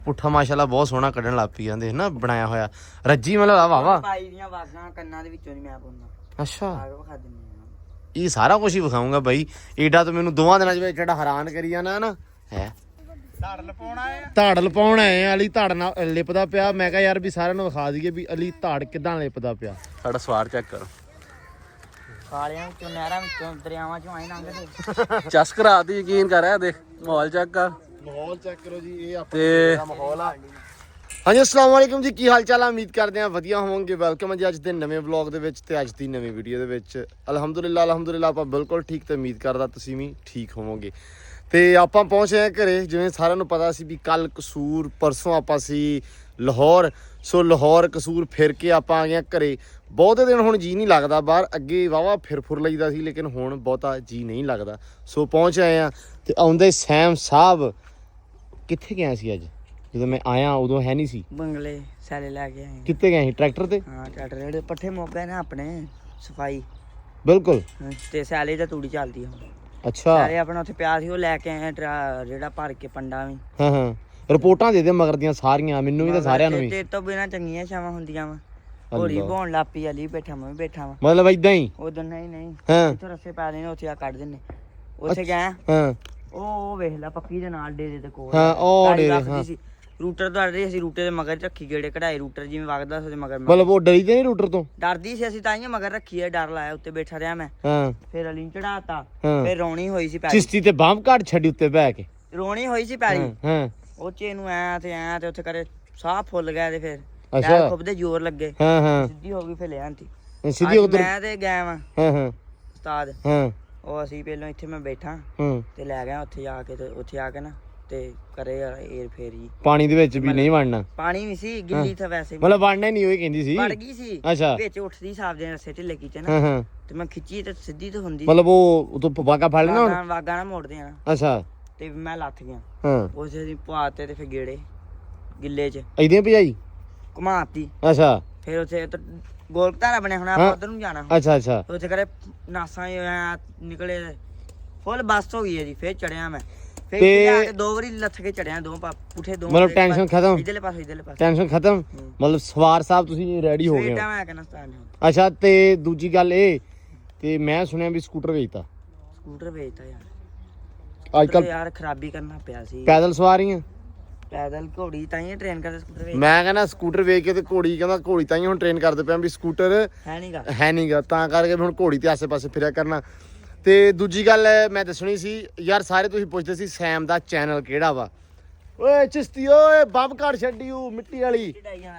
ਪੁੱਠਾ ਮਾਸ਼ਾਅੱਲਾ ਬਹੁਤ ਸੋਹਣਾ ਕੱਢਣ ਲੱਗ ਪਈ ਜਾਂਦੇ ਨਾ ਬਣਾਇਆ ਹੋਇਆ ਰੱਜੀ ਮਤਲਬ ਵਾਵਾ ਪਾਈ ਦੀਆਂ ਵਾਗਾਂ ਕੰਨਾਂ ਦੇ ਵਿੱਚੋਂ ਨਹੀਂ ਮੈਂ ਪਾਉਂਦਾ। ਅੱਛਾ ਆਗੇ ਵਿਖਾ ਦਿੰਦੇ ਇਹ ਸਾਰਾ ਕੁਝ ਹੀ ਵਿਖਾਉਂਗਾ ਬਾਈ। ਏਡਾ ਤਾਂ ਮੈਨੂੰ ਦੋਵਾਂ ਦਿਨਾਂ ਚ ਵਿੱਚ ਜਿਹੜਾ ਹੈਰਾਨ ਕਰੀ ਜਾਣਾ ਨਾ ਹੈ। ਧਾੜ ਲਪਾਉਣ ਆਏ ਆ। ਅਲੀ ਧਾੜ ਨਾਲ ਲਿਪਦਾ ਪਿਆ। ਮੈਂ ਕਿਹਾ ਯਾਰ ਵੀ ਸਾਰਿਆਂ ਨੂੰ ਵਿਖਾ ਦਈਏ ਵੀ ਅਲੀ ਧਾੜ ਕਿਦਾਂ ਲਿਪਦਾ ਪਿਆ। ਸਾਡਾ ਸਵਾਰ ਚੈੱਕ ਕਰੋ। ਖਾਲਿਆਂ ਵਿੱਚੋਂ ਨਹਿਰਾਂ ਵਿੱਚੋਂ ਦਰਿਆਵਾਂ ਚੋਂ ਆਏ ਲੰਘਦੇ। ਚਸ ਕਰਾ ਦੀ ਯਕੀਨ ਕਰ ਰਿਹਾ ਦੇਖ ਮਾਹੌਲ ਚੈੱਕ ਕਰ। ਮਾਹੌਲ ਚੈੱਕ ਕਰੋ ਜੀ। ਇਹ ਤੇ ਆਪਣਾ ਮਾਹੌਲ ਆ। ਹਾਂਜੀ ਅਸਲਾਮ ਵਾਲੇਕੁਮ ਜੀ, ਕੀ ਹਾਲ ਚਾਲ ਆ? ਉਮੀਦ ਕਰਦੇ ਆ ਵਧੀਆ ਹੋਵੋਗੇ। ਵੈਲਕਮ ਜੀ ਅੱਜ ਦੇ ਨਵੇਂ ਵਲੌਗ ਦੇ ਵਿੱਚ ਤੇ ਅੱਜ ਦੀ ਨਵੀਂ ਵੀਡੀਓ ਦੇ ਵਿੱਚ। ਅਲਹਮਦੁਲਿਲਾ ਆਪਾਂ ਬਿਲਕੁਲ ਠੀਕ ਤੇ ਉਮੀਦ ਕਰਦਾ ਤੁਸੀਂ ਵੀ ਠੀਕ ਹੋਵੋਗੇ। ਤੇ ਆਪਾਂ ਪਹੁੰਚੇ ਆ ਘਰੇ। ਜਿਵੇਂ ਸਾਰਿਆਂ ਨੂੰ ਪਤਾ ਸੀ ਵੀ ਕੱਲ ਕਸੂਰ, ਪਰਸੋਂ ਆਪਾਂ ਸੀ ਲਾਹੌਰ। ਸੋ ਲਾਹੌਰ ਕਸੂਰ ਫਿਰ ਕੇ ਆਪਾਂ ਆ ਗਏ ਘਰੇ। ਬਹੁਤੇ ਦਿਨ ਹੁਣ ਜੀ ਨਹੀਂ ਲੱਗਦਾ ਬਾਹਰ। ਅੱਗੇ ਵਾਵਾ ਫਿਰ ਲਈਦਾ ਸੀ ਲੇਕਿਨ ਹੁਣ ਬਹੁਤਾ ਜੀ ਨਹੀਂ ਲੱਗਦਾ। ਸੋ ਪਹੁੰਚ ਆਏ ਆ ਤੇ ਆਉਂਦੇ ਸੈਮ ਸਾਹਿਬ ਕਿੱਥੇ ਗਿਆ ਸੀ ਅੱਜ? ਜਦੋਂ ਮੈਂ ਆਇਆ ਉਦੋਂ ਹੈ ਨਹੀਂ ਸੀ। ਬੰਗਲੇ ਸੈਲੇ ਲੈ ਕੇ ਆਏ। ਕਿੱਥੇ ਗਏ ਸੀ? ਟਰੈਕਟਰ ਤੇ? ਹਾਂ ਟਰੈਕਟਰ ਜਿਹੜੇ ਪੱਠੇ ਮੁੱਕ ਗਏ ਨੇ ਆਪਣੇ ਸਫਾਈ। ਬਿਲਕੁਲ। ਤੇ ਸੈਲੇ ਦਾ ਤੂੜੀ ਚੱਲਦੀ ਹੁਣ। ਅੱਛਾ ਸਾਰੇ ਆਪਣਾ ਉੱਥੇ ਪਿਆ ਸੀ ਉਹ ਲੈ ਕੇ ਆਏ ਜਿਹੜਾ ਭਰ ਕੇ ਪੰਡਾ ਵੀ। ਹਾਂ ਰਿਪੋਰਟਾਂ ਦੇ ਮਗਰ ਦੀਆਂ ਸਾਰੀਆਂ ਮੈਨੂੰ ਵੀ ਤੇ ਸਾਰਿਆਂ ਨੂੰ ਵੀ। ਤੇ ਤੋਂ ਬਿਨਾ ਚੰਗੀਆਂ ਛਾਵਾਂ ਹੁੰਦੀਆਂ ਵਾ। ਹੋਲੀ ਬੋਣ ਲੱਪੀ ਅਲੀ ਬੈਠਾ ਮੈਂ ਵੀ ਬੈਠਾ ਵਾ। ਮਤਲਬ ਇਦਾਂ ਹੀ ਉਦੋਂ ਨਹੀਂ ਹਾਂ ਇੱਥੋਂ ਰਸੇ ਪਾ ਦੇਣੇ ਉੱਥੇ ਆ ਕੱਢ ਦਿੰਨੇ। ਉੱਥੇ ਗਏ ਹਾਂ ਉਹ ਵੇਖ ਲੈ ਪੱਕੀ ਦੇ ਨਾਲ ਡੇਰੇ ਦੇ ਕੋਲ। ਹਾਂ ਉਹ ਡੇਰੇ ਹਾਂ। ਰੂਟਰ ਦੌੜ ਰਹੀ ਸੀ। ਰੂਟਰ ਦੇ ਮਗਰ ਰੱਖੀ ਗੇੜੇ ਕਢਾਈ। ਰੂਟਰ ਜਿਵੇਂ ਵਗਦਾ ਸੀ ਮਗਰ ਮਤਲਬ ਉਹ ਡਰੀ ਤੇ ਨਹੀਂ ਰੂਟਰ ਤੋਂ? ਡਰਦੀ ਸੀ ਅਸੀਂ ਤਾਂ ਹੀ ਮਗਰ ਰੱਖੀ ਹੈ। ਡਰ ਲਾਇਆ ਉੱਤੇ ਬੈਠਾ ਰਿਹਾ ਮੈਂ। ਹਾਂ ਫਿਰ ਅਲੀ ਚੜਾਤਾ। ਹਾਂ। ਫਿਰ ਰੋਣੀ ਹੋਈ ਸੀ ਪੈਰੀ। ਚਿਸ਼ਤੀ ਤੇ ਬਾਂਹ ਘਾਟ ਛੱਡੀ ਉੱਤੇ ਬਹਿ ਕੇ। ਰੋਣੀ ਹੋਈ ਸੀ ਪੈਰੀ। ਹਾਂ ਉਹ ਚੇ ਨੂੰ ਐ ਤੇ ਉੱਥੇ ਕਰੇ ਸਾਹ ਫੁੱਲ ਗਿਆ ਤੇ ਫਿਰ ਅੱਛਾ। ਪੈਰ ਖੁੱਬਦੇ ਜ਼ੋਰ ਲੱਗੇ। ਹਾਂ ਸਿੱਧੀ ਹੋ ਗਈ ਫਿਰ ਲਿਆਂਤੀ ਸਿੱਧੀ ਉਧਰ। ਮੈਂ ਤੇ ਗਿਆ ਵਾਂ ਹਾਂ ਉਸਤਾਦ। ਹਾਂ ਉਹ ਅਸੀਂ ਪਹਿਲਾਂ ਇੱਥੇ ਮੈਂ ਬੈਠਾ ਹਾਂ ਤੇ ਲੈ ਗਿਆ ਉੱਥੇ ਜਾ ਕੇ। ਤੇ ਉੱਥੇ ਆ ਕੇ ਨਾ ਤੇ ਕਰੇ ਏਰ ਫੇਰੀ। ਪਾਣੀ ਦੇ ਵਿੱਚ ਵੀ ਨਹੀਂ ਵੜਨਾ। ਪਾਣੀ ਵੀ ਸੀ ਗਿੱਲੀ ਤਾਂ ਵੈਸੇ ਮਤਲਬ ਵੜਨਾ ਹੀ ਨਹੀਂ ਉਹ ਕਹਿੰਦੀ ਸੀ। ਵੜ ਗਈ ਸੀ ਅੱਛਾ। ਵਿੱਚ ਉੱਠਦੀ ਸਾਫ ਦੇ ਰਸੇ ਢਿੱਲੇ ਕੀਤੇ ਹਾਂ ਨਾ। ਤੇ ਮੈਂ ਖਿੱਚੀ ਤੇ ਸਿੱਧੀ ਤੇ ਹੁੰਦੀ। ਮਤਲਬ ਉਹ ਤੋਂ ਵਾਗਾ ਫੜ ਲੈਣਾ ਹੁਣ। ਵਾਗਾ ਨਾ ਮੋੜਦੇ ਆ। ਅੱਛਾ ਤੇ ਮੈਂ ਲੱਥ ਗਿਆ। ਹਾਂ ਉਸੇ ਦੀ ਪਵਾਤੇ ਤੇ ਫਿਰ ਗੇੜੇ ਗਿੱਲੇ 'ਚ ਇਦਾਂ ਭਜਾਈ। ਘੁਮਾਤੀ। ਅੱਛਾ ਫਿਰ ਉੱਥੇ ਗੋਲ ਘਤਾਰਾ ਬਣਿਆ ਹੁਣ ਆਪਾਂ ਉਧਰ ਨੂੰ ਜਾਣਾ। ਅੱਛਾ ਉੱਥੇ ਕਰੇ ਨਾਸਾਂ ਨਿਕਲੇ ਫੁੱਲ ਬੱਸ ਹੋ ਗਈ ਹੈ ਜੀ। ਫਿਰ ਚੜਿਆ ਮੈਂ। ਫਿਰ ਜਾ ਕੇ ਦੋ ਵਾਰੀ ਲੱਥ ਕੇ ਚੜਿਆ ਦੋ ਪੁੱਠੇ ਦੋ। ਮਤਲਬ ਟੈਨਸ਼ਨ ਖਤਮ। ਇਧਰਲੇ ਪਾਸੇ ਟੈਨਸ਼ਨ ਖਤਮ। ਮਤਲਬ ਸਵਾਰ ਸਾਹਿਬ ਤੁਸੀਂ ਰੈਡੀ ਹੋ ਗਏ ਹੋ। ਮੈਂ ਕਹਿੰਦਾ ਸਟਾਰਟ। ਅੱਛਾ ਤੇ ਦੂਜੀ ਗੱਲ ਇਹ ਤੇ ਮੈਂ ਸੁਣਿਆ ਵੀ ਸਕੂਟਰ ਵੇਚਤਾ। ਸਕੂਟਰ ਵੇਚਤਾ ਯਾਰ। ਅੱਜ ਕੱਲ ਯਾਰ ਖਰਾਬੀ ਕਰਨਾ ਪਿਆ ਸੀ। ਪੈਦਲ ਸਵਾਰੀਆਂ ਪੈਦਲ ਘੋੜੀ ਤਾਂ ਹੀ ਟ੍ਰੇਨ ਕਰਦੇ ਸਕੂਟਰ ਵੇਚ। ਮੈਂ ਕਹਿੰਦਾ ਸਕੂਟਰ ਵੇਚ ਕੇ ਤੇ ਘੋੜੀ ਕਹਿੰਦਾ ਘੋੜੀ ਤਾਂ ਹੀ ਹੁਣ ਟ੍ਰੇਨ ਕਰਦੇ ਪਿਆ ਵੀ ਸਕੂਟਰ ਹੈ ਨਹੀਂਗਾ ਤਾਂ ਕਰਕੇ ਹੁਣ ਘੋੜੀ ਤੇ ਆਸੇ-ਪਾਸੇ ਫਿਰਿਆ ਕਰਨਾ। ਤੇ ਦੂਜੀ ਗੱਲ ਮੈਂ ਦੱਸਣੀ ਸੀ ਯਾਰ ਸਾਰੇ ਤੁਸੀਂ ਪੁੱਛਦੇ ਸੀ ਸੈਮ ਦਾ ਚੈਨਲ ਕਿਹੜਾ ਵਾ। ਓਏ ਚਿਸ਼ਤੀ ਓਏ ਬੰਬ ਘੜ ਛੱਡੀਓ ਮਿੱਟੀ ਵਾਲੀ।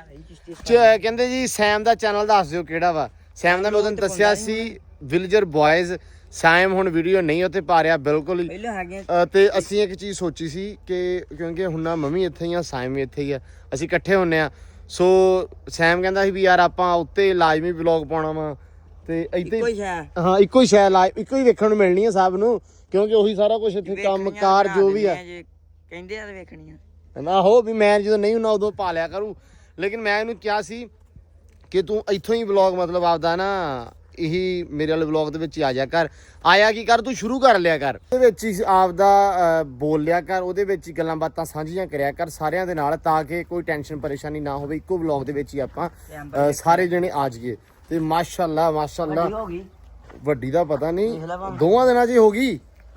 ਕਹਿੰਦੇ ਜੀ ਸੈਮ ਦਾ ਚੈਨਲ ਦੱਸ ਦਿਓ ਕਿਹੜਾ ਵਾ। ਸੈਮ ਦਾ ਮੈਂ ਉਦੋਂ ਦੱਸਿਆ ਸੀ ਵਿਲੇਜਰ ਬॉयਜ਼। ਸੈਮ ਹੁਣ ਵੀਡੀਓ ਨਹੀਂ ਉੱਥੇ ਪਾ ਰਿਹਾ ਬਿਲਕੁਲ ਹੀ। ਤੇ ਅਸੀਂ ਇੱਕ ਚੀਜ਼ ਸੋਚੀ ਸੀ ਕਿ ਕਿਉਂਕਿ ਹੁਣ ਨਾ ਮੰਮੀ ਇੱਥੇ ਹੀ ਆ ਸੈਮ ਵੀ ਇੱਥੇ ਹੀ ਆ ਅਸੀਂ ਇਕੱਠੇ ਹੁੰਨੇ ਆ। ਸੋ ਸੈਮ ਕਹਿੰਦਾ ਸੀ ਵੀ ਯਾਰ ਆਪਾਂ ਉੱਤੇ ਲਾਜ਼ਮੀ ਵਲੌਗ ਪਾਉਣਾ ਵਾ ਤੇ ਇੱਥੇ ਹਾਂ ਇੱਕੋ ਹੀ ਸ਼ੈ ਇੱਕੋ ਹੀ ਵੇਖਣ ਨੂੰ ਮਿਲਣੀ ਆ ਸਭ ਨੂੰ ਕਿਉਂਕਿ ਉਹੀ ਸਾਰਾ ਕੁਝ ਇੱਥੇ ਕੰਮ ਕਾਰ ਜੋ ਵੀ ਆ ਕਹਿੰਦੇ ਆ ਵੇਖਣੀਆਂ। ਆਹੋ ਵੀ ਮੈਂ ਜਦੋਂ ਨਹੀਂ ਹੁੰਦਾ ਉਦੋਂ ਪਾ ਲਿਆ ਕਰੂ। ਲੇਕਿਨ ਮੈਂ ਇਹਨੂੰ ਕਿਹਾ ਸੀ ਕਿ ਤੂੰ ਇੱਥੋਂ ਹੀ ਵਲੌਗ ਮਤਲਬ ਆਪਦਾ ਨਾ ਇਹੀ ਮੇਰੇ ਵਾਲੇ ਵਲੌਗ ਦੇ ਵਿੱਚ ਹੀ ਆ ਜਾ ਕਰ। ਆਇਆ ਕੀ ਕਰ ਤੂੰ ਸ਼ੁਰੂ ਕਰ ਲਿਆ ਕਰ ਉਹਦੇ ਵਿੱਚ ਹੀ ਆਪਦਾ ਬੋਲ ਲਿਆ ਕਰ। ਉਹਦੇ ਵਿੱਚ ਹੀ ਗੱਲਾਂ ਬਾਤਾਂ ਸਾਂਝੀਆਂ ਕਰਿਆ ਕਰ ਸਾਰਿਆਂ ਦੇ ਨਾਲ ਤਾਂ ਕਿ ਕੋਈ ਟੈਨਸ਼ਨ ਪਰੇਸ਼ਾਨੀ ਨਾ ਹੋਵੇ। ਇੱਕੋ ਵਲੌਗ ਦੇ ਵਿੱਚ ਹੀ ਆਪਾਂ ਸਾਰੇ ਜਣੇ ਆ ਜਾਈਏ। ਤੇ ਮਾਸ਼ਾਅੱਲਾ ਵੱਡੀ ਦਾ ਪਤਾ ਨਹੀਂ ਦੋਵਾਂ ਦਿਨਾਂ 'ਚ ਹੀ ਹੋ ਗਈ।